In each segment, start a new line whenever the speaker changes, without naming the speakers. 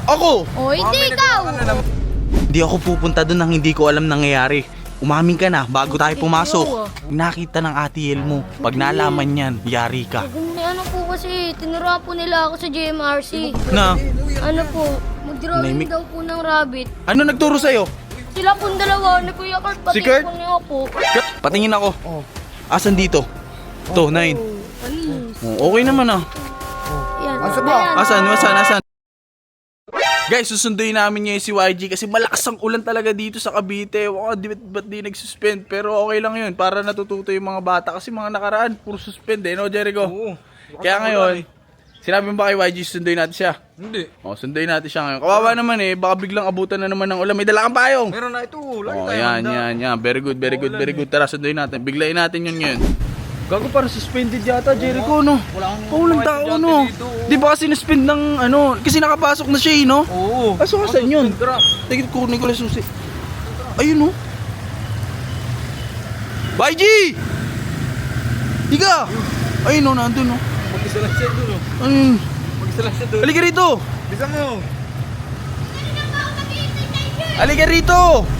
Ako!
O, hindi ikaw!
Hindi ako pupunta doon nang hindi ko alam nangyayari. Umamin ka na bago tayo pumasok. Nakita ng ate El mo. Pag nalaman yan, yari ka.
Ano po kasi, tinuruan po nila ako sa JMRC.
Na?
Ano po, mag-drawing
Nahimik.
daw po ng rabbit.
Ano nagturo sa'yo?
Sila pong dalawa, ni Kuya Kurt, pati
Si Kurt?
po niya po.
Patingin ako. Asan dito? To, 9.
Panis.
Okay naman ah.
Yan.
Asan? Guys, susunduin namin ngayon si YG kasi malakas ang ulan talaga dito sa Cavite. Ba't di nag-suspend? Pero okay lang yun para natututo yung mga bata kasi mga nakaraan, puro suspend no Jericho?
Oo.
Kaya ngayon, sinabi mo ba kay YG sunduin natin siya?
Hindi.
Sunduin natin siya ngayon. Kawawa naman baka biglang abutan na naman ng ulan. May dala kang payong.
Meron na ito.
Yan. Very good. Tara, sunduin natin. Biglayin natin yun ngayon. Gago, para suspended yata, Jericho, no? Walang tao, no? Di ba kasi na-suspend ng, kasi nakapasok na siya, no?
Oo.
Aso kasan yun? Tigit ko, Nicolas Susi. Ayun, no? YG! Higa! Ayun, no, nandun, no?
Mag-isa lang siya doon.
Ayun.
Mag-isa lang siya doon.
Halika rito!
Bisa mo.
Halika rito!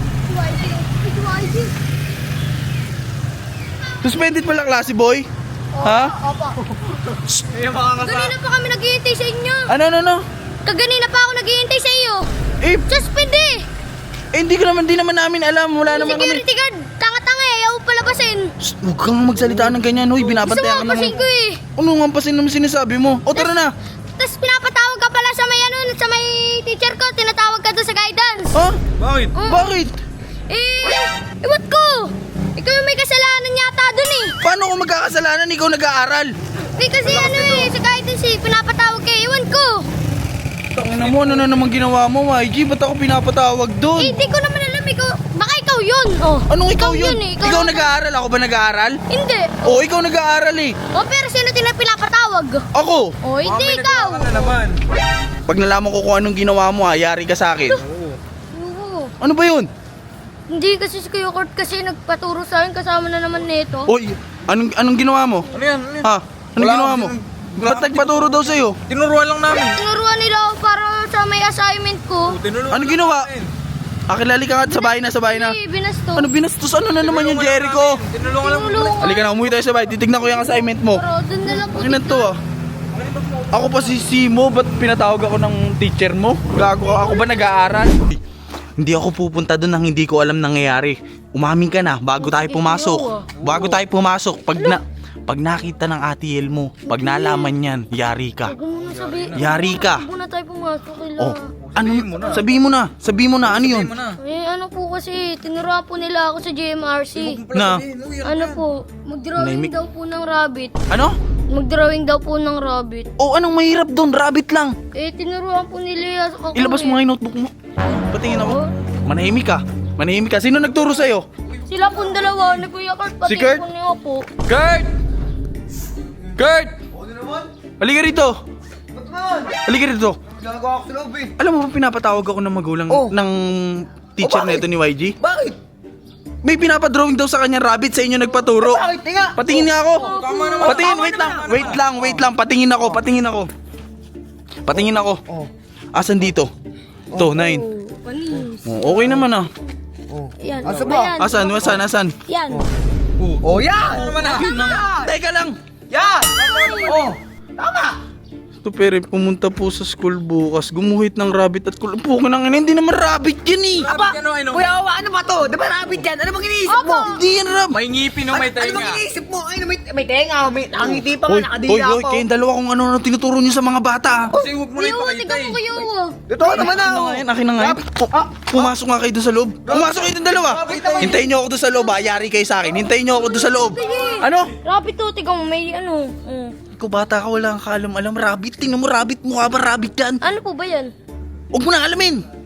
Suspended pala klase, boy? Ha?
Opo.
Eh, makakasa.
Kanina pa kami naghihintay sa inyo.
Ano?
Kaganina pa ako naghihintay sa iyo.
Eh,
Suspend eh.
hindi naman namin alam. Wala naman kami.
Security guard, tanga-tanga eh. Ayaw palabasin.
Shh, huwag kang magsalita ng ganyan, hoy.
Gusto
Binabantayan ka
mo pasin ko eh.
Ano nga pasin naman sinasabi mo? O, tara na.
Tapos pinapatawag ka pala sa may sa may teacher ko. Tinatawag ka doon sa guidance.
Ha?
Bakit?
Bakit?
Iwat ko. Ikaw yung may kasalanan yata doon eh.
Paano ko magkakasalanan? Ikaw nag-aaral.
Kasi sa guidance eh. Pinapatawag ka. Iwan ko.
Tangina mo, ano na naman ginawa mo, YG? Ba't ako pinapatawag doon?
Hindi ko naman alam. Baka ikaw yun. Oh.
Anong ikaw yun?
eh.
Ikaw nag-aaral? Ako ba nag-aaral?
Hindi.
Oo, ikaw nag-aaral eh.
Pero sino pinapatawag?
Ako.
Hindi ikaw.
Ano naman?
Pag nalaman ko kung anong ginawa mo, yari ka sa akin.
Oo.
Ano ba yun?
Hindi kasi si Kuya Kurt kasi nagpaturo sa akin kasama na naman nito.
Oy, anong ginawa mo?
Ano yan?
Ha? Anong
Wala
ginawa
akong
mo?
wala
Ba't
akong
nagpaturo daw sa'yo?
Tinuruan lang namin.
Tinuruan nila ako para sa may assignment ko.
Tinuruan
Anong
lang
ginawa?
namin.
Akilali ka nga sa bahay na.
Hindi, binasto.
Ano binastos? Ano na naman yung Jericho?
Tinulungan lang namin.
Tinulungan.
Halika na, umuwi tayo sa bahay. Titignan ko yung assignment mo.
Pero doon na lang po.
Ano to ah? Ako pa si Simo, ba't pinatawag ako ng teacher mo? Gago ka, ako ba nag-aaral? Hindi ako pupunta doon nang hindi ko alam nangyayari. Umamin ka na bago tayo pumasok. Pag nakita ng ate El mo, pag nalaman yan, yari ka.
Huwag mo na sabihin.
Yari ka.
Huwag muna tayo pumasok kila.
Oh, ano? Sabihin mo na, ano yun?
Mo na.
Ano po kasi, tinuruan po nila ako sa JMRC.
Na?
Ano po, mag-drawing
Nahimik.
daw po ng rabbit.
Ano?
Mag-drawing daw po ng rabbit.
Oh, anong mahirap doon? Rabbit lang.
Tinuruan po nila ako.
Ilabas mo nga yung notebook mo. Patingin ako. Manahimik ka. Sino nagturo sa'yo?
Sila pong dalawa, ni Kuya Kurt, pati
Si Kurt?
po niya po.
Kurt! Halika rito! Halika rito!
Ginagawa ko sa loob eh.
Alam mo ba pinapatawag ako ng magulang ng teacher
bakit?
nito ni YG?
Bakit?
May pinapadrawing daw sa kanya rabbit, sa inyo nagpaturo.
Bakit? Tinga.
Patingin nga ako.
Tama naman.
Patingin, wait lang. Patingin ako. Asan dito? To, 9.
Panis.
Okay naman ah.
Yan.
Asa ba?
Asan?
Yan.
Oh, yan! Ano naman
Teka lang.
Yan! Oh! Tama!
Ito pere, pumunta po sa school bukas, gumuhit ng rabbit at pukin ng ina, hindi naman rabbit yan eh.
Aba! Kuya Wawa, ano ba to? Di ba rabbit yan? Ano bang iniisip mo?
Hindi yan rabbit.
May ngipin o may tenga. Ano bang iniisip mo? Ay, may tenga. May nakangiti pa nga,
Hoy,
nakadila pa.
kayong dalawa kung ano tinuturo nyo sa mga bata.
Kasi huwag mo na
Yo,
ipakita
tignan
eh.
mo kayo.
Ito naman na.
Akin na nga yun. Pumasok nga kayo doon sa loob. Pumasok kayo doon dalawa. Hintayin nyo ako doon sa loob, yari kayo sa akin. Hintayin nyo ako doon sa loob. Ano?
Rabbit to, tignan mo, may ano.
Ikaw bata ka, wala kang kaalam-alam. Rabbit, tingnan mo rabbit, mukha ba rabbit yan?
Ano po ba yan?
Huwag mo na alamin.